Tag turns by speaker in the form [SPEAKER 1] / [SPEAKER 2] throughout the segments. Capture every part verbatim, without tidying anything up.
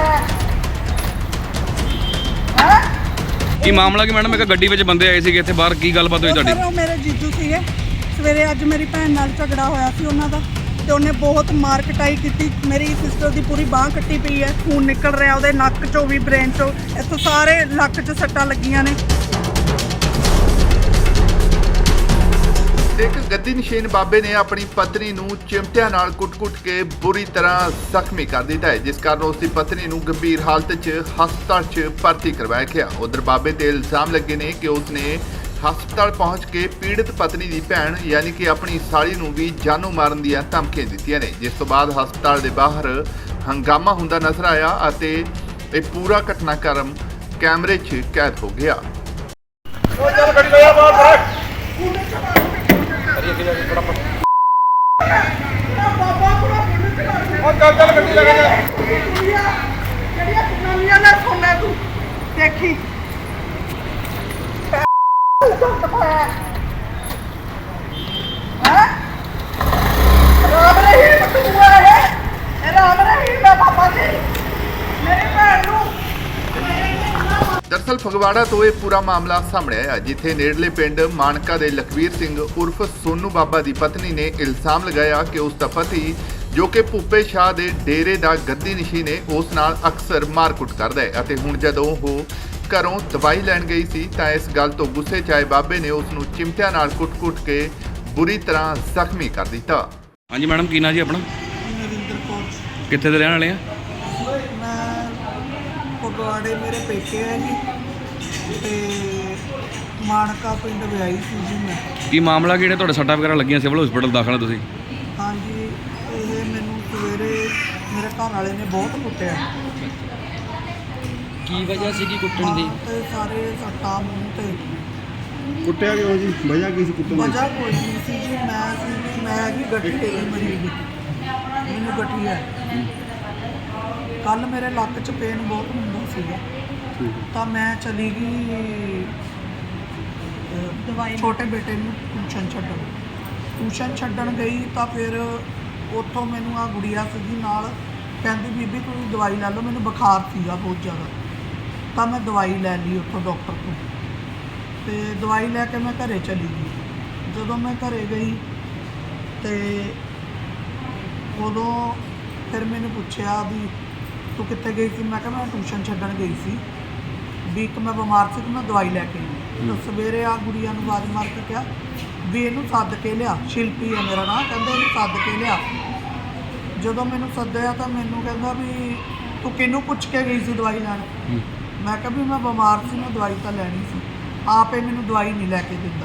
[SPEAKER 1] ਕੀ ਮਾਮਲਾ ਕੀ ਮੈਡਮ? ਇੱਕ ਗੱਡੀ ਵਿੱਚ ਬੰਦੇ ਆਏ ਸੀਗੇ ਇੱਥੇ ਬਾਹਰ, ਕੀ ਗੱਲਬਾਤ ਹੋਈ ਤੁਹਾਡੀ?
[SPEAKER 2] ਉਹ ਮੇਰੇ ਜੀਜੂ ਸੀਗੇ। ਸਵੇਰੇ ਅੱਜ ਮੇਰੀ ਭੈਣ ਨਾਲ ਝਗੜਾ ਹੋਇਆ ਸੀ ਉਹਨਾਂ ਦਾ, ਤੇ ਉਹਨੇ ਬਹੁਤ ਮਾਰ ਕਟਾਈ ਕੀਤੀ। ਮੇਰੀ ਸਿਸਟਰ ਦੀ ਪੂਰੀ ਬਾਂਹ ਕੱਟੀ ਪਈ ਹੈ, ਖੂਨ ਨਿਕਲ ਰਿਹਾ ਉਹਦੇ ਨੱਕ ਚੋਂ ਵੀ, ਬ੍ਰੇਨ ਚੋਂ, ਇੱਥੋਂ ਸਾਰੇ ਲੱਕ 'ਚ ਸੱਟਾਂ ਲੱਗੀਆਂ ਨੇ।
[SPEAKER 3] ਇੱਕ ਗੱਦੀ ਨਸ਼ੀਨ ਬਾਬੇ ਨੇ ਆਪਣੀ ਪਤਨੀ ਨੂੰ ਚਿਮਟਿਆਂ ਨਾਲ ਕੁੱਟ-ਕੁੱਟ ਕੇ ਬੁਰੀ ਤਰ੍ਹਾਂ ਜ਼ਖਮੀ ਕਰ ਦਿੱਤਾ ਹੈ, ਜਿਸ ਕਾਰਨ ਉਸ ਦੀ ਪਤਨੀ ਨੂੰ ਗੰਭੀਰ ਹਾਲਤ 'ਚ ਹਸਪਤਾਲ 'ਚ ਭਰਤੀ ਕਰਵਾਇਆ ਗਿਆ। ਉਧਰ ਬਾਬੇ ਤੇ ਇਲਜ਼ਾਮ ਲੱਗੇ ਨੇ ਕਿ ਉਸ ਨੇ ਹਸਪਤਾਲ ਪਹੁੰਚ ਕੇ ਪੀੜਤ ਪਤਨੀ ਦੀ ਭੈਣ ਯਾਨੀ ਕਿ ਆਪਣੀ ਸਾਲੀ ਨੂੰ ਵੀ ਜਾਨੋਂ ਮਾਰਨ ਦੀਆਂ ਧਮਕੀਆਂ ਦਿੱਤੀਆਂ ਨੇ, ਜਿਸ ਤੋਂ ਬਾਅਦ ਹਸਪਤਾਲ ਦੇ ਬਾਹਰ ਹੰਗਾਮਾ ਹੁੰਦਾ ਨਜ਼ਰ ਆਇਆ ਅਤੇ ਇਹ ਪੂਰਾ ਘਟਨਾਕ੍ਰਮ ਕੈਮਰੇ 'ਚ ਕੈਦ ਹੋ ਗਿਆ।
[SPEAKER 2] ਦੇਖੀ ਰਾਮ ਰਹੀਮ ਤੂੰ ਹੈ ਰਾਮ ਰਹੀਮ ਦਾ ਪਾਪਾ ਜੀ ਮੇਰੀ ਭੈਣ ਨੂੰ।
[SPEAKER 3] ਦਰਅਸਲ ਫਗਵਾੜਾ ਤੋਂ ਇਹ ਪੂਰਾ ਮਾਮਲਾ ਸਾਹਮਣੇ ਆਇਆ, ਜਿੱਥੇ ਨੇੜਲੇ ਪਿੰਡ ਮਾਨਕਾ ਦੇ ਲਖਵੀਰ ਸਿੰਘ ਉਰਫ ਸੋਨੂ ਬਾਬਾ ਦੀ ਪਤਨੀ ਨੇ ਇਲਜ਼ਾਮ ਲਗਾਇਆ ਕਿ ਉਸ ਦਾ ਪਤੀ ਜੋ ਕਿ ਭੁੱਪੇ ਸ਼ਾਹ ਦੇ ਡੇਰੇ ਦਾ ਗੱਦੀ ਨਸ਼ੀਨ ਹੈ, ਉਸ ਨਾਲ ਅਕਸਰ ਮਾਰਕੁੱਟ ਕਰਦਾ ਹੈ ਅਤੇ ਹੁਣ ਜਦੋਂ ਉਹ ਘਰੋਂ ਦਵਾਈ ਲੈਣ ਗਈ ਸੀ ਤਾਂ ਇਸ ਗੱਲ ਤੋਂ ਗੁੱਸੇ 'ਚ ਆਏ ਬਾਬੇ ਨੇ ਉਸ ਨੂੰ ਚਿਮਟਿਆਂ ਨਾਲ ਕੁੱਟ-ਕੁੱਟ ਕੇ ਬੁਰੀ ਤਰ੍ਹਾਂ ਜ਼ਖਮੀ ਕਰ ਦਿੱਤਾ।
[SPEAKER 1] ਹਾਂਜੀ ਮੈਡਮ, ਕੀ ਨਾਂ ਜੀ ਆਪਣਾ?
[SPEAKER 2] ਨਰਿੰਦਰ ਕੌਰ।
[SPEAKER 1] ਕਿੱਥੇ ਦੇ ਰਹਿਣ ਵਾਲੇ ਆ?
[SPEAKER 2] ਮੈਂ ਫਗਵਾੜੇ ਮੇਰੇ ਪੇਕੇ ਹੈ ਜੀ, ਤੇ ਮਾਨਕਾ ਪਿੰਡ ਵਿਆਹੀ ਸੀ ਜੀ ਮੈਂ।
[SPEAKER 1] ਕੀ ਮਾਮਲਾ ਕਿਹੜੇ ਤੁਹਾਡੇ ਸੱਟਾਂ ਵਗੈਰਾ ਲੱਗੀਆਂ, ਸਿਵਲ ਹਸਪੀਟਲ ਦਾਖਲ ਆ ਤੁਸੀਂ?
[SPEAKER 2] ਹਾਂਜੀ, ਇਹ ਮੈਨੂੰ ਸਵੇਰੇ ਮੇਰੇ ਘਰ ਵਾਲੇ ਨੇ ਬਹੁਤ ਕੁੱਟਿਆ।
[SPEAKER 4] ਕੀ ਵਜ੍ਹਾ ਸੀਗੀ ਕੁੱਟਣ ਦੀ?
[SPEAKER 2] ਤੇ ਸਾਰੇ ਸੱਟਾਂ ਮੂੰਹ ਤੇ।
[SPEAKER 5] ਕੁੱਟਿਆ ਕਿਉਂ ਜੀ? ਵਜ੍ਹਾ ਕੀ ਸੀ ਕੁੱਟਣ ਦੀ?
[SPEAKER 2] ਵਜ੍ਹਾ ਕੋਈ ਨਹੀਂ ਸੀ ਜੀ, ਮੈਂ ਸੀ ਮੈਂ ਜੀ ਗੱਡੀ ਤੇ ਮਰੀਜ਼, ਮੈਨੂੰ ਗੱਡੀ ਹੈ। ਕੱਲ ਮੇਰੇ ਲੱਕ 'ਚ ਪੇਨ ਬਹੁਤ ਹੁੰਦਾ ਸੀਗਾ, ਤਾਂ ਮੈਂ ਚਲੀ ਗਈ ਦਵਾਈ ਛੋਟੇ ਬੇਟੇ ਨੂੰ ਟਿਊਸ਼ਨ ਛੱਡਣ ਟਿਊਸ਼ਨ ਛੱਡਣ ਗਈ ਤਾਂ ਫਿਰ ਉੱਥੋਂ ਮੈਨੂੰ ਆ ਗੁੜੀਆ ਸੀਗੀ ਨਾਲ, ਕਹਿੰਦੀ ਬੀਬੀ ਤੁਸੀਂ ਦਵਾਈ ਲੈ ਲਓ, ਮੈਨੂੰ ਬੁਖਾਰ ਸੀਗਾ ਬਹੁਤ ਜ਼ਿਆਦਾ, ਤਾਂ ਮੈਂ ਦਵਾਈ ਲੈ ਲਈ ਉੱਥੋਂ ਡਾਕਟਰ ਤੋਂ, ਤੇ ਦਵਾਈ ਲੈ ਕੇ ਮੈਂ ਘਰੇ ਚਲੀ ਗਈ। ਜਦੋਂ ਮੈਂ ਘਰੇ ਗਈ ਤੇ ਉਦੋਂ ਫਿਰ ਮੈਨੂੰ ਪੁੱਛਿਆ ਵੀ ਤੂੰ ਕਿੱਥੇ ਗਈ ਸੀ? ਮੈਂ ਕਿਹਾ ਮੈਂ ਟਿਊਸ਼ਨ ਛੱਡਣ ਗਈ ਸੀ, ਵੀ ਇੱਕ ਮੈਂ ਬਿਮਾਰ ਸੀ ਤੇ ਮੈਂ ਦਵਾਈ ਲੈ ਕੇ ਆਈ। ਤਾਂ ਸਵੇਰੇ ਆ ਗੁੜੀਆ ਨੂੰ ਆਵਾਜ਼ ਮਾਰ ਕੇ ਕਿਹਾ ਵੀ ਇਹਨੂੰ ਸੱਦ ਕੇ ਲਿਆ, ਸ਼ਿਲਪੀ ਹੈ ਮੇਰਾ ਨਾਂ, ਕਹਿੰਦੇ ਇਹਨੂੰ ਸੱਦ ਕੇ ਲਿਆ। ਜਦੋਂ ਮੈਨੂੰ ਸੱਦਿਆ ਤਾਂ ਮੈਨੂੰ ਕਹਿੰਦਾ ਵੀ ਤੂੰ ਕਿਹਨੂੰ ਪੁੱਛ ਕੇ ਗਈ ਸੀ ਦਵਾਈ ਲੈਣ? ਮੈਂ ਕਿਹਾ ਵੀ ਮੈਂ ਬਿਮਾਰ ਸੀ, ਮੈਂ ਦਵਾਈ ਤਾਂ ਲੈਣੀ ਸੀ, ਆਪੇ ਮੈਨੂੰ ਦਵਾਈ ਨਹੀਂ ਲੈ ਕੇ ਦਿੰਦਾ।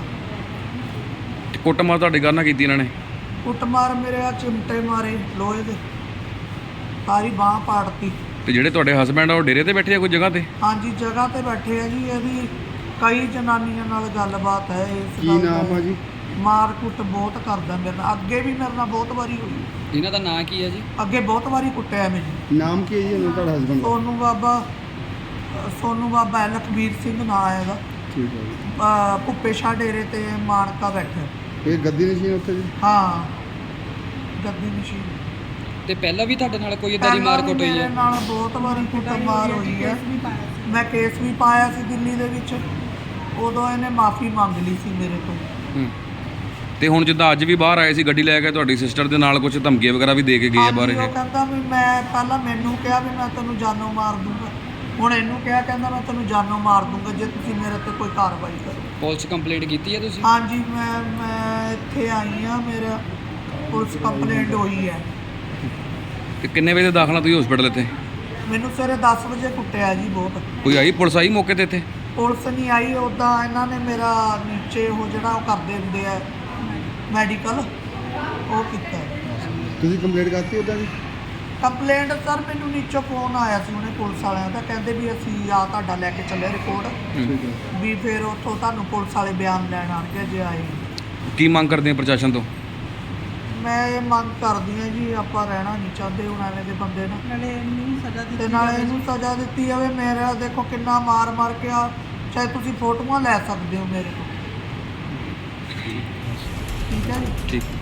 [SPEAKER 1] ਕੁੱਟਮਾਰ ਤੁਹਾਡੇ ਘਰ ਨਾਲ ਕੀਤੀ ਇਹਨਾਂ ਨੇ?
[SPEAKER 2] ਕੁੱਟਮਾਰ ਮੇਰੇ ਆ ਚਿਮਟੇ ਮਾਰੇ ਲੋਹੇ ਦੇ, ਸਾਰੀ ਬਾਂਹ ਪਾੜਤੀ।
[SPEAKER 1] ਤੇ ਜਿਹੜੇ ਤੁਹਾਡੇ ਹਸਬੈਂਡ ਆ ਉਹ ਡੇਰੇ ਤੇ ਬੈਠੇ ਆ ਕੋਈ ਜਗ੍ਹਾ ਤੇ?
[SPEAKER 2] ਹਾਂਜੀ, ਜਗ੍ਹਾ ਤੇ ਬੈਠੇ ਆ ਜੀ। ਇਹਦੀ ਕਈ ਜਨਾਨੀਆਂ ਨਾਲ ਗੱਲਬਾਤ ਹੈ ਇਸ
[SPEAKER 5] ਕੀ
[SPEAKER 2] ਗੱਲ ਦਾ।
[SPEAKER 5] ਨਾਮ ਆ ਜੀ?
[SPEAKER 2] ਮਾਰ ਕੁੱਟ ਬਹੁਤ ਕਰਦਾ ਮੇਰੇ ਨਾਲ, ਅੱਗੇ ਵੀ ਮੇਰੇ ਨਾਲ ਬਹੁਤ ਵਾਰੀ ਹੋਈ,
[SPEAKER 4] ਇਹਨਾਂ ਦਾ ਨਾਂ ਕੀ ਹੈ ਜੀ?
[SPEAKER 2] ਅੱਗੇ ਬਹੁਤ ਵਾਰੀ ਕੁੱਟਿਆ ਮੈਨੂੰ।
[SPEAKER 5] ਨਾਮ ਕੀ ਹੈ ਜੀ ਉਹਨਾਂ ਤੁਹਾਡਾ ਹਸਬੈਂਡ ਦਾ?
[SPEAKER 2] ਸੋਨੂ ਬਾਬਾ ਸੋਨੂ ਬਾਬਾ ਹੈ, ਲਖਬੀਰ ਸਿੰਘ ਨਾਂ ਹੈ ਇਹਦਾ।
[SPEAKER 5] ਠੀਕ ਹੈ ਜੀ।
[SPEAKER 2] ਅਹ ਭੁੱਪੇ ਸ਼ਾਹ ਡੇਰੇ ਤੇ ਮਾਨਕਾ ਬੈਠਾ।
[SPEAKER 5] ਇਹ ਗੱਦੀ ਨਸ਼ੀਨ ਉੱਥੇ ਜੀ?
[SPEAKER 2] ਹਾਂ, ਗੱਦੀ ਮਸ਼ੀਨ।
[SPEAKER 4] ਤੇ ਪਹਿਲਾਂ ਵੀ ਤੁਹਾਡੇ ਨਾਲ ਕੋਈ ਇਦਾਂ ਦੀ ਮਾਰ ਕੁੱਟ ਹੋਈ
[SPEAKER 2] ਮੇਰੇ
[SPEAKER 4] ਹੈ?
[SPEAKER 2] ਨਾਲ ਬਹੁਤ ਵਾਰੀ ਕੁੱਟਮਾਰ ਹੋਈ ਹੈ। ਮੈਂ ਕੇਸ ਵੀ ਪਾਇਆ ਸੀ ਦਿੱਲੀ ਦੇ ਵਿੱਚ, ਉਦੋਂ ਇਹਨੇ ਮਾਫੀ ਮੰਗ ਲਈ ਸੀ ਮੇਰੇ ਤੋਂ।
[SPEAKER 1] ਹੂੰ। ਤੇ ਹੁਣ ਜਿੱਦਾਂ ਅੱਜ ਵੀ ਬਾਹਰ ਆਏ ਸੀ ਗੱਡੀ ਲੈ ਕੇ, ਤੁਹਾਡੀ ਸਿਸਟਰ ਦੇ ਨਾਲ ਕੁਝ ਧਮਕੀਆਂ ਵਗੈਰਾ ਵੀ ਦੇ ਕੇ ਗਏ ਆ ਬਾਹਰ
[SPEAKER 2] ਹਾਂਜੀ,
[SPEAKER 1] ਇਹ?
[SPEAKER 2] ਉਹ ਕਹਿੰਦਾ ਵੀ ਮੈਂ ਪਹਿਲਾਂ ਮੈਨੂੰ ਕਿਹਾ ਵੀ ਮੈਂ ਤੈਨੂੰ ਜਾਨੋਂ ਮਾਰ ਦੂੰਗਾ, ਹੁਣ ਇਹਨੂੰ ਕਿਹਾ ਕਹਿੰਦਾ ਮੈਂ ਤੈਨੂੰ ਜਾਨੋਂ ਮਾਰ ਦੂੰਗਾ ਜੇ ਤੁਸੀਂ ਮੇਰੇ ਤੇ ਕੋਈ ਕਾਰਵਾਈ ਕਰੋ।
[SPEAKER 4] ਪੁਲਿਸ ਕੰਪਲੇਂਟ ਕੀਤੀ ਹੈ ਤੁਸੀਂ?
[SPEAKER 2] ਹਾਂਜੀ, ਮੈਂ ਮੈਂ ਇੱਥੇ ਆਈ ਹਾਂ, ਮੇਰਾ ਪੁਲਿਸ ਕੰਪਲੇਂਟ ਹੋਈ ਹੈ।
[SPEAKER 1] ਤੇ ਕਿੰਨੇ ਵਜੇ ਦਾਖਲਾ ਤੁਸੀਂ ਹਸਪੀਟਲ ਇੱਥੇ?
[SPEAKER 2] ਮੈਨੂੰ ਸਵੇਰੇ ਦਸ ਵਜੇ ਕੁੱਟਿਆ ਜੀ ਬਹੁਤ।
[SPEAKER 1] ਕੋਈ ਆਈ ਪੁਲਿਸ ਆਈ ਮੌਕੇ ਤੇ ਇੱਥੇ?
[SPEAKER 2] ਪੁਲਿਸ ਨਹੀਂ ਆਈ, ਉੱਦਾਂ ਇਹਨਾਂ ਨੇ ਮੇਰਾ ਨੀਚੇ ਉਹ ਜਿਹੜਾ ਉਹ ਕਰਦੇ ਹੁੰਦੇ ਆ ਮੈਡੀਕਲ, ਉਹ ਕੀਤਾ।
[SPEAKER 5] ਤੁਸੀਂ ਕੰਪਲੇਂਟ ਕਰਤੀ ਉੱਦਾਂ ਜੀ?
[SPEAKER 2] ਕੰਪਲੇਂਟ ਸਰ ਮੈਨੂੰ ਨੀਚੋਂ ਫੋਨ ਆਇਆ ਸੀ ਉਹਨੇ ਪੁਲਿਸ ਵਾਲਿਆਂ ਦਾ, ਕਹਿੰਦੇ ਵੀ ਅਸੀਂ ਆ ਤੁਹਾਡਾ ਲੈ ਕੇ ਚੱਲੇ ਰਿਪੋਰਟ,
[SPEAKER 5] ਠੀਕ ਹੈ।
[SPEAKER 2] ਵੀ ਫਿਰ ਉੱਥੋਂ ਤੁਹਾਨੂੰ ਪੁਲਿਸ ਵਾਲੇ ਬਿਆਨ ਲੈਣ ਆਣਗੇ ਜੇ ਆਏ।
[SPEAKER 1] ਕੀ ਮੰਗ ਕਰਦੇ ਆ ਪ੍ਰਸ਼ਾਸਨ ਤੋਂ?
[SPEAKER 2] ਮੈਂ ਇਹ ਮੰਗ ਕਰਦੀ ਹਾਂ ਜੀ, ਆਪਾਂ ਰਹਿਣਾ ਨਹੀਂ ਚਾਹੁੰਦੇ ਹੁਣ ਐਵੇਂ ਦੇ ਬੰਦੇ ਨਾਲ, ਨਾਲੇ ਇਹਨੂੰ ਸਜ਼ਾ ਦਿੱਤੀ ਤੇ ਨਾਲੇ ਇਹਨੂੰ ਸਜ਼ਾ ਦਿੱਤੀ ਜਾਵੇ। ਮੇਰਾ ਦੇਖੋ ਕਿੰਨਾ ਮਾਰ ਮਾਰ ਕੇ ਆ, ਚਾਹੇ ਤੁਸੀਂ ਫੋਟੋਆਂ ਲੈ ਸਕਦੇ ਹੋ ਮੇਰੇ ਤੋਂ। ਠੀਕ ਹੈ ਜੀ।
[SPEAKER 1] ਠੀਕ।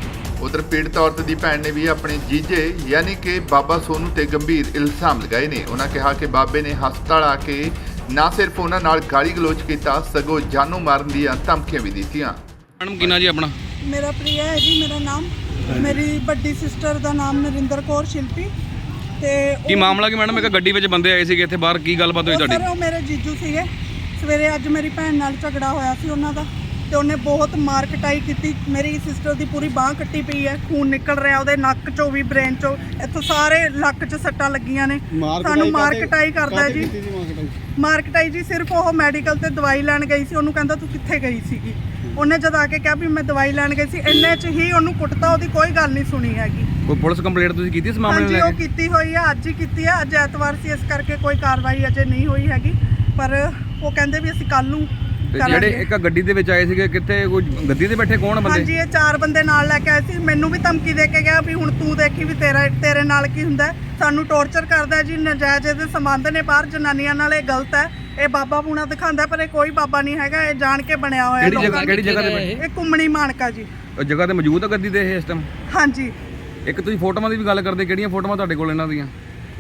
[SPEAKER 3] ਉਧਰ ਪੀੜਤ ਔਰਤ ਦੀ ਭੈਣ ਨੇ ਵੀ ਆਪਣੇ ਜੀਜੇ ਯਾਨੀ ਕਿ ਬਾਬਾ ਸੋਨੂ ਤੇ ਗੰਭੀਰ ਇਲਜ਼ਾਮ ਲਗਾਏ ਨੇ। ਉਹਨਾਂ ਕਿਹਾ ਕਿ ਬਾਬੇ ਨੇ ਹਸਪਤਾਲ ਆ ਕੇ ਨਾ ਸਿਰਫ ਉਹਨਾਂ ਨਾਲ ਗਾਲੀ ਗਲੋਚ ਕੀਤਾ ਸਗੋਂ ਜਾਨੋਂ ਮਾਰਨ ਦੀਆਂ ਧਮਕੀਆਂ ਵੀ ਦਿੱਤੀਆਂ।
[SPEAKER 1] ਮੈਡਮ ਕੀ ਨਾਂ ਜੀ ਆਪਣਾ?
[SPEAKER 2] ਮੇਰਾ ਪ੍ਰਿਆ ਹੈ ਜੀ ਮੇਰਾ ਨਾਮ। ਮੇਰੀ ਵੱਡੀ ਸਿਸਟਰ ਦਾ ਨਾਮ ਨਰਿੰਦਰ ਕੌਰ ਸ਼ਿਲਪੀ ਤੇ
[SPEAKER 1] ਕੀ ਮਾਮਲਾ ਕੀ ਮੈਡਮ? ਇੱਕ ਗੱਡੀ ਵਿੱਚ ਬੰਦੇ ਆਏ ਸੀਗੇ ਇੱਥੇ ਬਾਹਰ, ਕੀ ਗੱਲਬਾਤ ਹੋਈ ਤੁਹਾਡੀ?
[SPEAKER 2] ਸਰ ਉਹ ਮੇਰੇ ਜੀਜੂ ਸੀਗੇ। ਸਵੇਰੇ ਅੱਜ ਮੇਰੀ ਭੈਣ ਨਾਲ ਝਗੜਾ ਹੋਇਆ ਸੀ ਉਹਨਾਂ ਦਾ ਤੇ ਉਹਨੇ ਬਹੁਤ ਮਾਰ ਕਟਾਈ ਕੀਤੀ। ਮੇਰੀ ਸਿਸਟਰ ਦੀ ਪੂਰੀ ਬਾਹ ਕੱਟੀ ਪਈ ਹੈ, ਖੂਨ ਨਿਕਲ ਰਿਹਾ ਉਹਦੇ ਨੱਕ ਚੋਂ ਵੀ, ਬ੍ਰੇਨ ਚੋਂ, ਇੱਥੋਂ ਸਾਰੇ ਲੱਕ 'ਚ ਸੱਟਾਂ ਲੱਗੀਆਂ ਨੇ। ਸਾਨੂੰ ਮਾਰ ਕਟਾਈ ਕਰਦਾ ਜੀ। ਮਾਰ ਕਟਾਈ ਜੀ ਸਿਰਫ ਉਹ ਮੈਡੀਕਲ ਤੇ ਦਵਾਈ ਲੈਣ ਗਈ ਸੀ। ਉਹਨੂੰ ਕਹਿੰਦਾ ਤੂੰ ਕਿੱਥੇ ਗਈ ਸੀਗੀ? ਉਹਨੇ ਜਦ ਆ ਕੇ ਕਿਹਾ ਵੀ ਮੈਂ ਦਵਾਈ ਲੈਣ ਗਈ ਸੀ, ਇੰਨੇ 'ਚ ਹੀ ਉਹਨੂੰ ਕੁੱਟਤਾ। ਉਹਦੀ ਕੋਈ ਗੱਲ ਨਹੀਂ ਸੁਣੀ ਹੈਗੀ।
[SPEAKER 1] ਕੋਈ ਪੁਲਿਸ ਕੰਪਲੇਂਟ ਤੁਸੀਂ ਕੀਤੀ ਇਸ ਮਾਮਲੇ ਨੂੰ
[SPEAKER 2] ਹਾਂਜੀ
[SPEAKER 1] ਲੈ
[SPEAKER 2] ਉਹ
[SPEAKER 1] ਕੇ?
[SPEAKER 2] ਕੀਤੀ ਹੋਈ ਹੈ, ਅੱਜ ਹੀ ਕੀਤੀ ਹੈ। ਅੱਜ ਐਤਵਾਰ ਸੀ, ਇਸ ਕਰਕੇ ਕੋਈ ਕਾਰਵਾਈ ਅਜੇ ਨਹੀਂ ਹੋਈ ਹੈਗੀ, ਪਰ ਉਹ ਕਹਿੰਦੇ ਵੀ ਅਸੀਂ ਕੱਲ ਨੂੰ
[SPEAKER 1] ਤੇ
[SPEAKER 2] ਕਰਾਂਗੇ।
[SPEAKER 1] ਜਿਹੜੇ ਇੱਕ ਗੱਡੀ ਦੇ ਵਿੱਚ ਆਏ ਸੀਗੇ, ਕਿੱਥੇ ਕੋਈ ਗੱਡੀ ਤੇ ਬੈਠੇ ਕੌਣ ਬੰਦੇ?
[SPEAKER 2] ਹਾਂਜੀ ਇਹ ਚਾਰ ਬੰਦੇ ਨਾਲ ਲੈ ਕੇ ਆਏ ਸੀ। ਮੈਨੂੰ ਵੀ ਧਮਕੀ ਦੇ ਕੇ ਗਿਆ ਵੀ ਹੁਣ ਤੂੰ ਦੇਖੀ ਵੀ ਤੇਰਾ ਤੇਰੇ ਨਾਲ ਕੀ ਹੁੰਦਾ ਹੈ। ਸਾਨੂੰ ਟੌਰਚਰ ਕਰਦਾ ਹੈ ਜੀ। ਨਜਾਇਜ਼ ਦੇ ਸੰਬੰਧ ਨੇ ਬਾਹਰ ਜਨਾਨੀਆਂ ਨਾਲ, ਇਹ ਗਲਤ ਹੈ। ਇਹ ਬਾਬਾ ਪੂਣਾ ਦਿਖਾਉਂਦਾ ਪਰ ਇਹ ਕੋਈ ਬਾਬਾ ਨਹੀਂ ਹੈਗਾ, ਇਹ ਜਾਣ ਕੇ ਬਣਿਆ ਹੋਇਆ
[SPEAKER 1] ਕਿਹੜੀ ਜਗ੍ਹਾ
[SPEAKER 2] ਲੋਕਾਂ
[SPEAKER 1] ਕਿਹੜੀ ਜਗ੍ਹਾ ਤੇ
[SPEAKER 4] ਇਹ?
[SPEAKER 1] ਬੈਠੇ?
[SPEAKER 2] ਇਹ ਕੁੰਮਣੀ ਮਾਨਕਾ ਜੀ।
[SPEAKER 1] ਉਹ ਜਗ੍ਹਾ ਤੇ ਮੌਜੂਦ ਆ ਗੱਡੀ ਦੇ ਇਹ ਇਸ ਟਾਈਮ?
[SPEAKER 2] ਹਾਂਜੀ
[SPEAKER 1] ਇੱਕ ਤੁਸੀਂ ਫੋਟੋਆਂ ਦੀ ਵੀ ਗੱਲ ਕਰਦੇ, ਕਿਹੜੀਆਂ ਫੋਟੋਆਂ ਤੁਹਾਡੇ ਕੋਲ ਇਹਨਾਂ ਦੀਆਂ?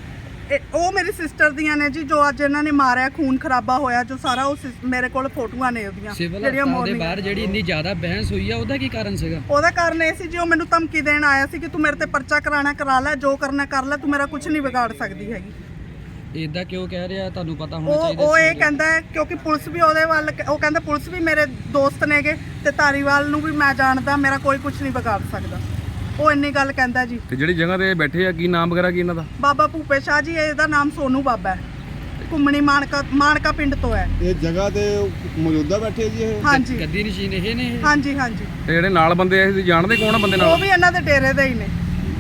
[SPEAKER 2] ਇਹ ਉਹ ਮੇਰੀ ਸਿਸਟਰ ਦੀਆਂ ਨੇ ਜੀ, ਜੋ ਅੱਜ ਇਹਨਾਂ ਨੇ ਮਾਰਿਆ, ਖੂਨ ਖਰਾਬਾ ਹੋਇਆ ਜੋ ਸਾਰਾ, ਉਹ ਸਿਸ- ਮੇਰੇ ਕੋਲ ਫੋਟੋਆਂ ਨੇ ਉਹਦੀਆਂ
[SPEAKER 4] ਸਿਵਲ ਹਸਪਤਾਲ ਦੇ
[SPEAKER 2] morning-
[SPEAKER 4] ਬਾਹਰ ਜਿਹੜੀ ਇੰਨੀ ਜ਼ਿਆਦਾ ਬਹਿਸ ਹੋਈ ਆ, ਉਹਦਾ ਕੀ ਕਾਰਨ ਸੀਗਾ?
[SPEAKER 2] ਉਹਦਾ ਕਾਰਨ ਇਹ ਸੀ ਜੀ ਉਹ ਮੈਨੂੰ ਧਮਕੀ ਦੇਣ ਆਇਆ ਸੀ ਕਿ ਤੂੰ ਮੇਰੇ ਤੇ ਪਰਚਾ ਕਰਾਣਾ ਕਰਾ ਲੈ, ਜੋ ਕਰਨਾ ਕਰ ਲੈ, ਤੂੰ ਮੇਰਾ ਕੁਝ ਨਹੀਂ ਵਿਗਾੜ ਸਕਦੀ ਹੈਗੀ।
[SPEAKER 4] ਇਦਾਂ ਕਿਉਂ ਕਹਿ ਰਿਹਾ? ਤੁਹਾਨੂੰ ਪਤਾ ਹੋਣਾ
[SPEAKER 2] ਉਹ
[SPEAKER 4] ਚਾਹੀਦਾ
[SPEAKER 2] ਉਹ
[SPEAKER 4] ਸੀ
[SPEAKER 2] ਇਹ
[SPEAKER 4] ਉਦੋਂ।
[SPEAKER 2] ਕਹਿੰਦਾ ਹੈ ਕਿਉਂਕਿ ਪੁਲਿਸ ਵੀ ਉਹਦੇ ਵੱਲ, ਉਹ ਕਹਿੰਦਾ ਪੁਲਿਸ ਵੀ ਮੇਰੇ ਦੋਸਤ ਨੇਗੇ ਤੇ ਧਾਰੀਵਾਲ ਨੂੰ ਵੀ ਮੈਂ ਜਾਣਦਾ, ਮੇਰਾ ਕੋਈ ਕੁਝ ਨਹੀਂ ਵਿਗਾੜ ਸਕਦਾ। ਉਹ ਇੰਨੀ ਗੱਲ ਕਹਿੰਦਾ ਜੀ।
[SPEAKER 1] ਤੇ ਜਿਹੜੀ ਜਗ੍ਹਾ ਤੇ ਬੈਠੇ ਆ, ਕੀ ਨਾਮ ਵਗੈਰਾ ਕੀ ਇਹਨਾਂ ਦਾ?
[SPEAKER 2] ਬਾਬਾ ਭੂਪੇ ਸ਼ਾਹ ਜੀ, ਇਹਦਾ ਨਾਮ ਸੋਨੂ ਬਾਬਾ ਹੈ। ਘੁੰਮਣੀ ਮਾਨਕਾ ਮਾਨਕਾ ਪਿੰਡ ਤੋਂ ਹੈ।
[SPEAKER 5] ਇਹ ਜਗ੍ਹਾ ਤੇ ਮੌਜੂਦਾ ਬੈਠੇ ਜੀ ਇਹ?
[SPEAKER 2] ਹਾਂਜੀ
[SPEAKER 4] ਗੱਦੀ ਨਸ਼ੀਨ ਇਹ ਨੇ ਇਹ?
[SPEAKER 2] ਹਾਂਜੀ ਹਾਂਜੀ
[SPEAKER 1] ਤੇ ਜਿਹੜੇ ਨਾਲ ਬੰਦੇ ਆਏ ਸੀ, ਤੁਸੀਂ ਜਾਣਦੇ ਕੌਣ ਆ ਬੰਦੇ
[SPEAKER 2] ਉਹ
[SPEAKER 1] ਨਾਲ?
[SPEAKER 2] ਵੀ ਇਹਨਾਂ ਦੇ ਡੇਰੇ ਦੇ ਹੀ ਨੇ।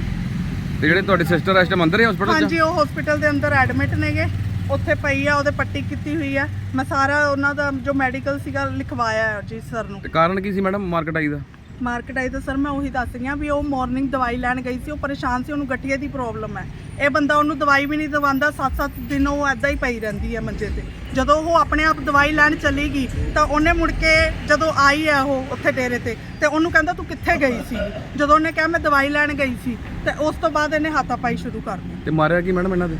[SPEAKER 1] ਤੇ ਜਿਹੜੇ ਤੁਹਾਡੀ ਸਿਸਟਰ ਇਸ ਟਾਈਮ ਅੰਦਰ ਹੈ ਹਸਪੀਟਲ 'ਚ?
[SPEAKER 2] ਹਾਂਜੀ ਉਹ ਹਸਪੀਟਲ ਦੇ ਅੰਦਰ ਐਡਮਿਟ ਨੇਗੇ, ਉੱਥੇ ਪਈ ਆ, ਉਹਦੇ ਪੱਟੀ ਕੀਤੀ ਹੋਈ ਆ। ਮੈਂ ਸਾਰਾ ਉਹਨਾਂ ਦਾ ਜੋ ਮੈਡੀਕਲ ਸੀਗਾ ਲਿਖਵਾਇਆ ਹੈ ਜੀ ਸਰ ਨੂੰ।
[SPEAKER 1] ਤੇ ਕਾਰਨ ਕੀ ਸੀ ਮੈਡਮ ਮਾਰਕੀਟ ਆਈ ਦਾ?
[SPEAKER 2] ਮਾਰਕੀਟ ਆਈ ਤਾਂ ਸਰ ਮੈਂ ਉਹੀ ਦੱਸ ਰਹੀ ਹਾਂ ਵੀ ਉਹ ਮਾਰਨਿੰਗ ਦਵਾਈ ਲੈਣ ਗਈ ਸੀ, ਉਹ ਪਰੇਸ਼ਾਨ ਸੀ, ਉਹਨੂੰ ਗਠੀਏ ਦੀ ਪ੍ਰੋਬਲਮ ਹੈ। ਇਹ ਬੰਦਾ ਉਹਨੂੰ ਦਵਾਈ ਵੀ ਨਹੀਂ ਦਵਾਉਂਦਾ, ਸੱਤ ਸੱਤ ਦਿਨ ਉਹ ਐਦਾਂ ਹੀ ਪਈ ਰਹਿੰਦੀ ਹੈ ਮੰਜੇ ਤੇ। ਜਦੋਂ ਉਹ ਆਪਣੇ ਆਪ ਦਵਾਈ ਲੈਣ ਚਲੀ ਗਈ ਤਾਂ ਉਹਨੇ ਮੁੜ ਕੇ ਜਦੋਂ ਆਈ ਹੈ ਉਹ ਉੱਥੇ ਡੇਰੇ ਤੇ, ਤੇ ਉਹਨੂੰ ਕਹਿੰਦਾ ਤੂੰ ਕਿੱਥੇ ਗਈ ਸੀ? ਜਦੋਂ ਉਹਨੇ ਕਿਹਾ ਮੈਂ ਦਵਾਈ ਲੈਣ ਗਈ ਸੀ, ਤੇ ਉਸ ਤੋਂ ਬਾਅਦ ਇਹਨੇ ਹਾਥਾਪਾਈ ਸ਼ੁਰੂ ਕਰ ਦਿੱਤੀ।
[SPEAKER 1] ਤੇ ਮਾਰਿਆ ਕੀ ਮੈਡਮ ਇਹਨਾਂ ਦੇ?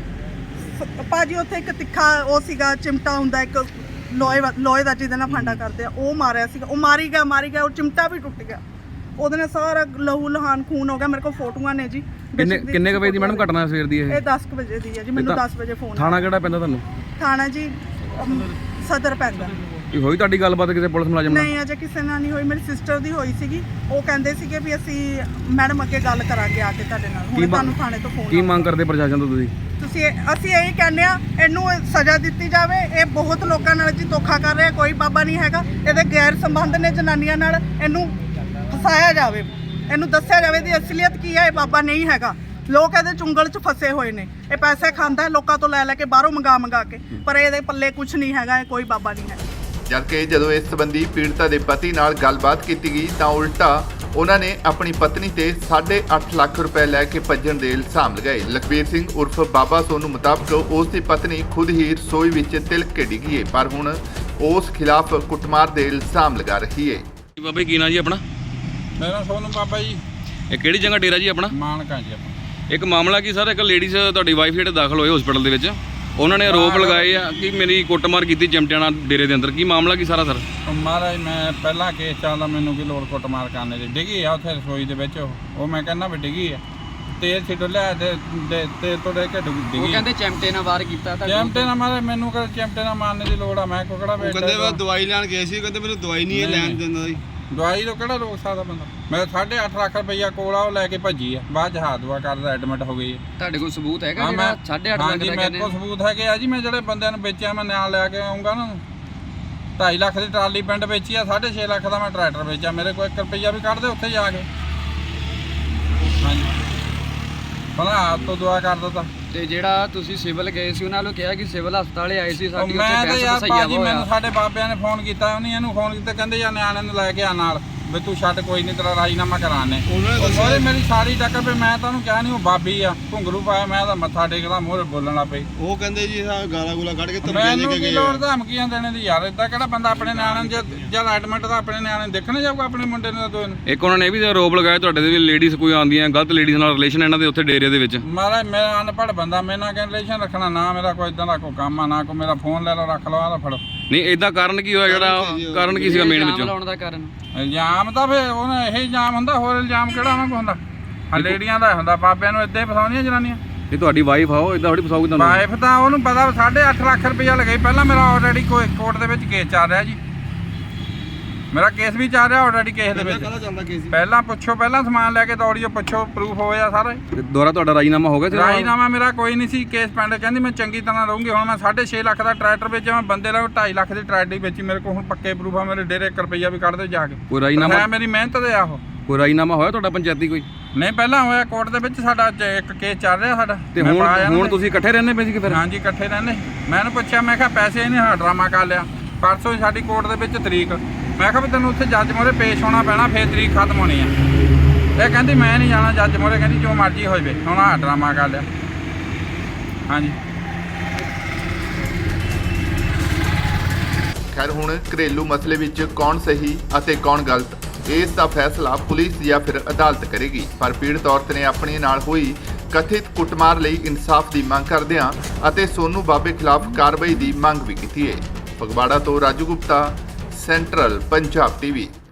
[SPEAKER 2] ਭਾਜੀ ਉੱਥੇ ਇੱਕ ਤਿੱਖਾ ਉਹ ਸੀਗਾ, ਚਿਮਟਾ ਹੁੰਦਾ ਇੱਕ ਲੋਹੇ ਵਾ- ਲੋਹੇ ਦਾ ਜਿਹਦੇ ਨਾਲ ਫਾਂਡਾ ਕਰਦੇ ਆ, ਉਹ ਮਾਰਿਆ ਸੀਗਾ। ਉਹ ਮਾਰੀ ਗਿਆ ਮਾਰੀ ਗਿਆ ਉਹ ਚਿਮਟਾ ਵੀ ਟੁੱਟ ਗਿਆ, ਉਹਦੇ ਨਾਲ ਸਾਰਾ ਲਹੂ ਲਹਾਨ ਖੂਨ ਹੋ ਗਿਆ। ਮੇਰੇ ਕੋਲ ਫੋਟੋਆਂ ਨੇ ਜੀ।
[SPEAKER 1] ਕਿੰਨੇ
[SPEAKER 2] ਬੇਸ਼ੱਕ ਦੀ
[SPEAKER 1] ਕਿੰਨੇ ਕੁ ਵਜੇ ਦੀ ਮੈਡਮ ਘਟਨਾ ਸਵੇਰ ਦੀ ਇਹ?
[SPEAKER 2] ਇਹ ਦਸ ਕੁ ਵਜੇ ਦੀ ਹੈ ਜੀ। ਮੈਨੂੰ
[SPEAKER 1] ਤਾਂ
[SPEAKER 2] ਦਸ ਵਜੇ ਫੋਨ
[SPEAKER 1] ਥਾਣਾ ਕਿਹੜਾ ਪੈਂਦਾ ਤੁਹਾਨੂੰ?
[SPEAKER 2] ਥਾਣਾ ਜੀ ਅਮ, ਸਦਰ ਪੈਂਦਾ।
[SPEAKER 1] ਕੀ ਹੋਈ ਤੁਹਾਡੀ ਗੱਲਬਾਤ ਕਿਸੇ ਪੁਲਿਸ ਮੁਲਾਜ਼ਮ ਨਾਲ?
[SPEAKER 2] ਨਹੀਂ ਅਜੇ ਕਿਸੇ ਨਾਲ ਨਹੀਂ ਹੋਈ। ਮੇਰੀ ਸਿਸਟਰ ਦੀ ਹੋਈ ਸੀਗੀ, ਉਹ ਕਹਿੰਦੇ ਸੀਗੇ ਵੀ ਅਸੀਂ ਮੈਡਮ ਅੱਗੇ ਗੱਲ ਕਰਾਂਗੇ ਆ ਕੇ ਤੁਹਾਡੇ ਨਾਲ।
[SPEAKER 1] ਕੀ
[SPEAKER 2] ਹੁਣ
[SPEAKER 1] ਮੰਗ-
[SPEAKER 2] ਤੁਹਾਨੂੰ ਥਾਣੇ ਤੋਂ
[SPEAKER 1] ਕੀ
[SPEAKER 2] ਫੋਨ।
[SPEAKER 1] ਮੰਗ ਕਰਦੇ ਪ੍ਰਸ਼ਾਸਨ ਤੋਂ ਤੁਸੀਂ?
[SPEAKER 2] ਤੁਸੀਂ ਇਹ- ਅਸੀਂ ਇਹੀ ਕਹਿੰਦੇ ਆ ਇਹਨੂੰ ਸਜ਼ਾ ਦਿੱਤੀ ਜਾਵੇ। ਇਹ ਬਹੁਤ ਲੋਕਾਂ ਨਾਲ ਜੀ ਧੋਖਾ ਕਰ ਰਿਹਾ, ਕੋਈ ਬਾਬਾ ਨਹੀਂ ਹੈਗਾ। ਇਹਦੇ ਗੈਰ ਸੰਬੰਧ ਨੇ ਜਨਾਨੀਆਂ ਨਾਲ, ਇਹਨੂੰ ਫਸਾਇਆ ਜਾਵੇ, ਇਹਨੂੰ ਦੱਸਿਆ ਜਾਵੇ ਦੀ ਅਸਲੀਅਤ ਕੀ ਹੈ। ਇਹ ਬਾਬਾ ਨਹੀਂ ਹੈਗਾ, ਲੋਕ ਇਹਦੇ ਚੁੰਗਲ 'ਚ ਫਸੇ ਹੋਏ ਨੇ। ਇਹ ਪੈਸੇ ਖਾਂਦਾ ਲੋਕਾਂ ਤੋਂ ਲੈ ਲੈ ਕੇ, ਬਾਹਰੋਂ ਮੰਗਾ ਮੰਗਾ ਕੇ, ਪਰ ਇਹਦੇ ਪੱਲੇ ਕੁਝ ਨਹੀਂ ਹੈਗਾ, ਇਹ ਕੋਈ ਬਾਬਾ ਨਹੀਂ ਹੈ।
[SPEAKER 3] ਜਦਕਿ ਜਦੋਂ ਇਸ ਸੰਬੰਧੀ ਪੀੜਤਾ ਦੇ ਪਤੀ ਨਾਲ ਗੱਲਬਾਤ ਕੀਤੀ ਗਈ ਤਾਂ ਉਲਟਾ ਉਹਨਾਂ ਨੇ ਆਪਣੀ ਪਤਨੀ ਤੇ ਸਾਢੇ ਅੱਠ ਲੱਖ ਰੁਪਏ ਲੈ ਕੇ ਭੱਜਣ ਦੇ ਇਲਜ਼ਾਮ ਲਗਾਏ। ਲਖਬੀਰ ਸਿੰਘ ਉਰਫ ਬਾਬਾ ਸੋਨੂ ਮੁਤਾਬਕ ਉਸ ਦੀ ਪਤਨੀ ਖੁਦ ਹੀ ਰਸੋਈ ਵਿੱਚ ਤਿਲਕ ਕੇ ਡਿੱਗੀ ਹੈ, ਪਰ ਹੁਣ ਉਸ ਖਿਲਾਫ ਕੁੱਟਮਾਰ ਦੇ ਇਲਜ਼ਾਮ ਲਗਾ ਰਹੀ ਹੈ।
[SPEAKER 1] ਬਾਬਾ ਕੀ ਨਾਂ ਜੀ ਆਪਣਾ?
[SPEAKER 6] ਮੇਰਾ ਸੋਨੂੰ ਬਾਬਾ ਜੀ,
[SPEAKER 1] ਇਹ ਕਿਹੜੀ ਜਗ੍ਹਾ ਡੇਰਾ ਜੀ ਆਪਣਾ?
[SPEAKER 6] ਮਾਨਕਾ ਜੀ ਆਪਾਂ।
[SPEAKER 1] ਇੱਕ ਮਾਮਲਾ ਕੀ ਸਰ, ਇੱਕ ਲੇਡੀਜ਼ ਤੁਹਾਡੀ ਵਾਈਫ ਜਿਹੜੇ ਦਾਖਲ ਹੋਏ ਹਸਪੀਟਲ ਦੇ ਵਿੱਚ, ਉਹਨਾਂ ਨੇ ਆਰੋਪ ਲਗਾਏ ਆ ਕਿ ਮੇਰੀ ਕੁੱਟਮਾਰ ਕੀਤੀ ਚਿਮਟਿਆਂ ਨਾਲ ਡੇਰੇ ਦੇ ਅੰਦਰ। ਕੀ ਮਾਮਲਾ ਕੀ ਸਾਰਾ ਸਰ?
[SPEAKER 6] ਉਹ ਮਹਾਰਾਜ ਮੈਂ ਪਹਿਲਾਂ ਕੇਸ ਚੱਲਦਾ, ਮੈਨੂੰ ਕੀ ਲੋੜ ਕੁੱਟਮਾਰ ਕਰਨੇ ਦੀ। ਡਿੱਗੀ ਆ ਉੱਥੇ ਰਸੋਈ ਦੇ ਵਿੱਚ, ਉਹ ਉਹ ਮੈਂ ਕਹਿੰਦਾ ਵੀ ਡਿੱਗੀ ਆ, ਤੇਲ ਛਿੱਟ ਲਿਆ ਤੇ ਤੇ- ਤੇਲ ਤੋਂ ਲੈ ਕੇ ਡਿੱਗ-
[SPEAKER 4] ਉਹ
[SPEAKER 6] ਡਿੱਗੀ।
[SPEAKER 4] ਕਹਿੰਦੇ ਚਿਮਟੇ ਨਾਲ ਵਾਰ ਕੀਤਾ ਤਾਂ
[SPEAKER 6] ਚਿਮਟੇ ਨਾਲ ਮਾਰੇ, ਮੈਨੂੰ ਕਰ ਚਿਮਟੇ ਨਾਲ ਮਾਰਨੇ ਦੀ ਲੋੜ ਆ? ਮੈਂ ਕੋਕੜਾ ਵੇਚਦਾ।
[SPEAKER 5] ਕਹਿੰਦੇ ਵਾ ਦਵਾਈ ਲੈਣ ਗਏ ਸੀ, ਕਹਿੰਦੇ ਮੈਨੂੰ ਦਵਾਈ ਨਹੀਂ ਇਹ ਲੈਣ ਦਿੰਦਾ ਜੀ।
[SPEAKER 6] ਦਵਾਈ ਤੋਂ ਕਿਹੜਾ ਰੋਕ ਸਕਦਾ ਬੰਦਾ? ਮੈਂ ਸਾਢੇ ਅੱਠ ਲੱਖ ਰੁਪਈਆ ਕੋਲ ਆ, ਉਹ ਲੈ ਕੇ ਭੱਜੀ ਆ, ਬਾਅਦ ਚ ਹਾਥ ਦੁਆ ਕਰਦਾ ਐਡਮਿਟ ਹੋ ਗਈ ਹੈ।
[SPEAKER 4] ਤੁਹਾਡੇ ਕੋਲ ਸਬੂਤ ਹੈਗਾ
[SPEAKER 6] ਹਾਂ
[SPEAKER 4] ਜਿਹੜਾ
[SPEAKER 6] ਮੈਂ
[SPEAKER 4] ਸਾਢੇ ਅੱਠ ਲੱਖ
[SPEAKER 6] ਹਾਂਜੀ
[SPEAKER 4] ਦਾ
[SPEAKER 6] ਮੇਰੇ
[SPEAKER 4] ਕਹਿੰਦੇ?
[SPEAKER 6] ਕੋਲ ਸਬੂਤ ਹੈਗੇ ਆ ਜੀ। ਮੈਂ ਜਿਹੜੇ ਬੰਦਿਆਂ ਨੂੰ ਵੇਚਿਆ ਮੈਂ ਨਾਲ ਲੈ ਕੇ ਆਉਂਗਾ ਨਾ। ਢਾਈ ਲੱਖ ਦੀ ਟਰਾਲੀ ਪਿੰਡ ਵੇਚੀ ਆ, ਸਾਢੇ ਛੇ ਲੱਖ ਦਾ ਮੈਂ ਟਰੈਕਟਰ ਵੇਚਿਆ। ਮੇਰੇ ਕੋਲ ਇੱਕ ਰੁਪਈਆ ਵੀ ਕੱਢ ਦੇ ਉੱਥੇ ਜਾ ਕੇ। ਹਾਂਜੀ ਭਲਾ ਆਪ ਤੋਂ ਦੁਆ ਕਰ ਦਿੱਤਾ।
[SPEAKER 4] ਤੇ ਜਿਹੜਾ ਤੁਸੀਂ ਸਿਵਲ ਗਏ ਸੀ, ਉਹਨਾਂ ਨੂੰ ਕਿਹਾ ਕਿ ਸਿਵਲ ਹਸਪਤਾਲੇ ਆਏ ਸੀ,
[SPEAKER 6] ਉਹ
[SPEAKER 4] ਸਾਡੀ
[SPEAKER 6] ਮੈਂ
[SPEAKER 4] ਉੱਥੇ
[SPEAKER 6] ਤਾਂ
[SPEAKER 4] ਬਹਿਸ
[SPEAKER 6] ਯਾਰ
[SPEAKER 4] ਸਹੀਆ
[SPEAKER 6] ਭਾਜੀ, ਮੈਨੂੰ
[SPEAKER 4] ਹੋਇਆ।
[SPEAKER 6] ਸਾਡੇ ਬਾਬਿਆਂ ਨੇ ਫੋਨ ਕੀਤਾ, ਉਹਨੇ ਇਹਨੂੰ ਫੋਨ ਕੀਤਾ, ਕਹਿੰਦੇ ਯਾਰ ਨਿਆਣੇ ਨੂੰ ਲੈ ਕੇ ਆ ਨਾਲ। ਵੀ ਤੂੰ ਛੱਡ ਕੋਈ ਨਹੀਂ ਤੇਰਾ ਰਾਜੀਨਾਮਾ ਕਰਾਣੇ
[SPEAKER 5] ਉਹਨਾਂ ਨੇ ਦੱਸਿਆ-
[SPEAKER 6] ਉਹਦੇ ਮੇਰੀ ਸਾਰੀ ਟੱਕਰ ਵੀ ਮੈਂ ਤੁਹਾਨੂੰ ਕਿਹਾ ਨਹੀਂ ਉਹ ਬਾਬੀ ਆ ਘੁੰਗਰੂ ਪਾਇਆ ਮੈਂ ਤਾਂ ਮੱਥਾ ਟੇਕਦਾ ਮੂਹਰੇ ਬੋਲਣ ਲੱਗ ਪਈ
[SPEAKER 5] ਉਹ ਕਹਿੰਦੇ ਜੀ ਆ ਗਾਲਾਂ ਗੂਲਾ ਕੱਢ ਕੇ ਧਮਕੀਆਂ ਦੇ
[SPEAKER 6] ਮੈਨੂੰ
[SPEAKER 5] ਕੇ
[SPEAKER 6] ਕੀ
[SPEAKER 5] ਗਏ
[SPEAKER 6] ਲੋੜ
[SPEAKER 5] ਆ।
[SPEAKER 6] ਧਮਕੀਆਂ ਦੇਣੇ ਦੀ ਯਾਰ ਇਦਾਂ ਕਿਹੜਾ ਬੰਦਾ ਆਪਣੇ ਨਿਆਣਿਆਂ ਨੂੰ ਜਦ ਜਦ ਐਡਮਿਟ ਦਾ ਆਪਣੇ ਨਿਆਣੇ ਨੂੰ ਦੇਖਣ ਜਾਊਗਾ ਆਪਣੇ ਮੁੰਡੇ ਨੂੰ ਤਾਂ ਦੋਏ ਨੂੰ
[SPEAKER 1] ਇੱਕ ਉਹਨਾਂ ਨੇ ਇਹ ਵੀ ਆਰੋਪ ਲਗਾਇਆ ਤੁਹਾਡੇ ਦੇ ਵੀ ਲੇਡੀਜ਼ ਕੋਈ ਆਉਂਦੀਆਂ ਗਲਤ ਲੇਡੀਜ਼ ਨਾਲ ਰਿਲੇਸ਼ਨ ਇਹਨਾਂ ਦੇ ਉੱਥੇ ਡੇਰੇ ਦੇ ਵਿੱਚ।
[SPEAKER 6] ਮਾਰਾ ਮੈਂ ਅਨਪੜ੍ਹ ਬੰਦਾ ਮੇਰੇ ਨਾਲ ਕਿਹਨ ਰਿਲੇਸ਼ਨ ਰੱਖਣਾ ਨਾ ਮੇਰਾ ਕੋਈ ਇਦਾਂ ਦਾ ਕੋਈ ਕੰਮ ਆ ਨਾ ਕੋਈ ਮੇਰਾ ਫੋਨ ਲੈ ਲਓ ਰੱਖ ਲਓ ਆਹ ਲਓ ਫੜੋ।
[SPEAKER 1] ਨਹੀਂ ਇਦਾਂ ਕਾਰਨ ਕੀ ਹੋਇਆ ਜਿਹੜਾ ਕਾਰਨ ਕੀ ਸੀਗਾ ਮੇਨ
[SPEAKER 4] ਇਲਜ਼ਾਮ
[SPEAKER 1] ਵਿੱਚੋਂ?
[SPEAKER 4] ਲਾਉਣ ਦਾ ਕਾਰਨ
[SPEAKER 6] ਇਲਜ਼ਾਮ ਤਾਂ ਫਿਰ ਉਹਨੇ ਇਹ ਇਲਜ਼ਾਮ ਹੁੰਦਾ ਹੋਰ ਇਲਜ਼ਾਮ ਕਿਹੜਾ ਉਹਨਾਂ ਕੋਲ ਹੁੰਦਾ ਆ ਲੇਡੀਆਂ ਦਾ ਹੁੰਦਾ ਬਾਬਿਆਂ ਨੂੰ ਇੱਦਾਂ ਹੀ ਫਸਾਉਂਦੀਆਂ ਜਨਾਨੀਆਂ।
[SPEAKER 1] ਇਹ ਤੁਹਾਡੀ ਵਾਈਫ ਆਓ ਇਦਾਂ ਥੋੜੀ ਫਸਾਉਗੀ ਤੁਹਾਨੂੰ।
[SPEAKER 6] ਵਾਈਫ ਤਾਂ ਉਹਨੂੰ ਪਤਾ ਸਾਢੇ ਅੱਠ ਲੱਖ ਰੁਪਈਆ ਲਗਾਈ ਪਹਿਲਾਂ ਮੇਰਾ ਆਲਰੇਡੀ ਕੋਈ ਕੋਰਟ ਦੇ ਵਿੱਚ ਕੇਸ ਚੱਲ ਰਿਹਾ ਜੀ ਮੇਰਾ ਕੇਸ ਵੀ ਚੱਲ ਰਿਹਾ ਆਲਰੇਡੀ ਕੇਸ ਦੇ ਵਿੱਚ
[SPEAKER 5] ਕਾਹਦਾ ਚੱਲਦਾ ਕੇਸ
[SPEAKER 6] ਪਹਿਲਾਂ ਪੁੱਛੋ ਪਹਿਲਾਂ ਸਮਾਨ ਲੈ ਕੇ ਦੌੜੀਓ ਪੁੱਛੋ ਪ੍ਰੂਫ ਹੋਇਆ ਸਾਰਾ
[SPEAKER 1] ਤੇ ਦੁਬਾਰਾ ਤੁਹਾਡਾ ਰਾਜੀਨਾਮਾ ਹੋ ਗਿਆ ਸੀ?
[SPEAKER 6] ਰਾਜੀਨਾਮਾ ਮੇਰਾ ਕੋਈ ਨਹੀਂ ਸੀ ਕੇਸ ਪੈਂਡ ਕਹਿੰਦੀ ਮੈਂ ਚੰਗੀ ਤਰ੍ਹਾਂ ਰਹੂੰਗੀ ਹੁਣ ਮੈਂ ਸਾਢੇ ਛੇ ਲੱਖ ਦਾ ਟਰੈਕਟਰ ਵੇਚਿਆ ਮੈਂ ਬੰਦੇ ਨਾਲ ਢਾਈ ਲੱਖ ਦੀ ਟਰੈਕਟਰ ਵੇਚੀ ਮੇਰੇ ਕੋਲ ਹੁਣ ਪੱਕੇ ਪ੍ਰੂਫ ਆ ਮੇਰੇ ਡੇਰੇ ਇੱਕ ਰੁਪਈਆ ਵੀ ਕੱਢ ਦਿਓ ਜਾ ਕੇ
[SPEAKER 1] ਕੋਈ ਰਾਜੀਨਾਮਾ
[SPEAKER 6] ਮੈਂ ਮੇਰੀ ਮਿਹਨਤ ਦੇ ਆਹੋ
[SPEAKER 1] ਕੋਈ ਰਾਜੀਨਾਮਾ ਹੋਇਆ ਤੁਹਾਡਾ ਪੰਚਾਇਤੀ ਕੋਈ?
[SPEAKER 6] ਨਹੀਂ ਪਹਿਲਾਂ ਹੋਇਆ ਕੋਰਟ ਦੇ ਵਿੱਚ ਸਾਡਾ ਅੱਜ ਇੱਕ ਕੇਸ ਚੱਲ ਰਿਹਾ ਸਾਡਾ
[SPEAKER 1] ਤੇ
[SPEAKER 6] ਮੈਂ
[SPEAKER 1] ਹੁਣ
[SPEAKER 6] ਪਾਇਆ ਨਾ
[SPEAKER 1] ਹੁਣ
[SPEAKER 6] ਤੇ-
[SPEAKER 1] ਤੁਸੀਂ ਇਕੱਠੇ ਰਹਿੰਦੇ ਪਏ ਸੀ ਕਿ ਫਿਰ?
[SPEAKER 6] ਹਾਂਜੀ ਇਕੱਠੇ ਰਹਿੰਦੇ ਮੈਂ ਇਹਨੂੰ ਪੁੱਛਿਆ ਮੈਂ ਕਿਹਾ ਪੈਸੇ ਇਹਨੇ ਹਾਂ ਡਰਾਮਾ ਕਰ ਲਿਆ ਪਰਸੋਂ ਸਾਡੀ ਕੋਰਟ ਦੇ ਵਿੱਚ ਤਰੀਕ ਮੈਂ ਕਿਹਾ ਵੀ ਤੈਨੂੰ ਉੱਥੇ ਜੱਜ ਮੋਰੇ ਪੇਸ਼ ਹੋਣਾ ਪੈਣਾ ਫੇਰ ਤਰੀਕ ਖਤਮ ਹੋਣੀ ਆ ਇਹ ਕਹਿੰਦੀ ਮੈਂ ਨਹੀਂ ਜਾਣਾ ਜੱਜ ਮੋਰੇ ਕਹਿੰਦੀ ਜੋ ਮਰਜ਼ੀ ਹੋ ਜਾਵੇ ਹੁਣ ਆਹ ਡਰਾਮਾ ਕਰ ਲਿਆ ਹਾਂਜੀ।
[SPEAKER 3] ਖੈਰ ਹੁਣ ਘਰੇਲੂ ਮਸਲੇ ਵਿੱਚ ਕੌਣ ਸਹੀ ਅਤੇ ਕੌਣ ਗਲਤ ਇਸ ਦਾ ਫੈਸਲਾ ਪੁਲਿਸ ਜਾਂ ਫਿਰ ਅਦਾਲਤ ਕਰੇਗੀ ਪਰ ਪੀੜਤ ਔਰਤ ਨੇ ਆਪਣੇ ਨਾਲ ਹੋਈ ਕਥਿਤ ਕੁੱਟਮਾਰ ਲਈ ਇਨਸਾਫ ਦੀ ਮੰਗ ਕਰਦਿਆਂ ਅਤੇ ਸੋਨੂ ਬਾਬੇ ਖਿਲਾਫ ਕਾਰਵਾਈ ਦੀ ਮੰਗ ਵੀ ਕੀਤੀ ਹੈ। ਫਗਵਾੜਾ ਤੋਂ ਰਾਜੂ ਗੁਪਤਾ, ਸੈਂਟਰਲ ਪੰਜਾਬ ਟੀਵੀ।